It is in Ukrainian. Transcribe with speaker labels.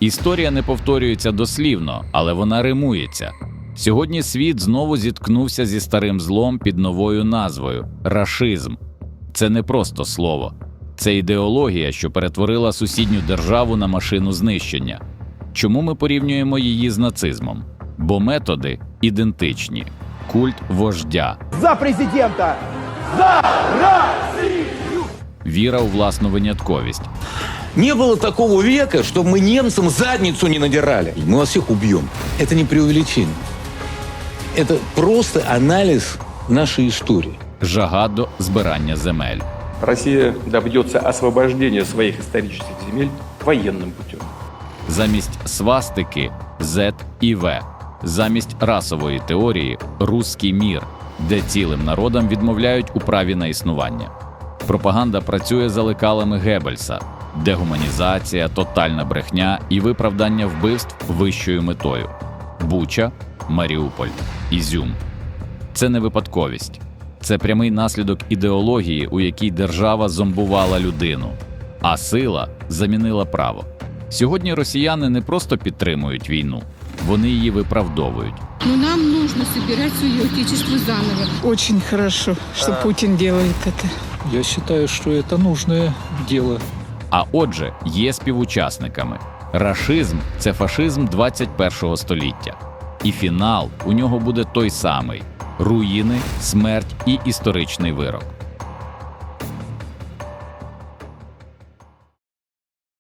Speaker 1: Історія не повторюється дослівно, але вона римується. Сьогодні світ знову зіткнувся зі старим злом під новою назвою – рашизм. Це не просто слово. Це ідеологія, що перетворила сусідню державу на машину знищення. Чому ми порівнюємо її з нацизмом? Бо методи ідентичні. Культ вождя.
Speaker 2: За президента! За Россию!
Speaker 1: Віра у власну винятковість.
Speaker 3: Не было такого века, чтобы мы немцам задницу не надирали. Мы вас всех убьем. Это не преувеличение. Это просто анализ нашей истории.
Speaker 1: Жага до збирання земель.
Speaker 4: Россия добьется освобождения своих исторических земель военным путем.
Speaker 1: Замість свастики – Z і В. Замість расової теорії – «русський мір», де цілим народам відмовляють у праві на існування. Пропаганда працює за лекалами Геббельса – дегуманізація, тотальна брехня і виправдання вбивств вищою метою. Буча, Маріуполь, Ізюм. Це не випадковість. Це прямий наслідок ідеології, у якій держава зомбувала людину, а сила замінила право. Сьогодні росіяни не просто підтримують війну, вони її виправдовують.
Speaker 5: Но нам нужно собирать свое отечество заново.
Speaker 6: Очень хорошо, что Путин делает это.
Speaker 7: Я считаю, что это нужное дело.
Speaker 1: А отже, є співучасниками. Рашизм – це фашизм 21-го століття. І фінал у нього буде той самий – руїни, смерть і історичний вирок.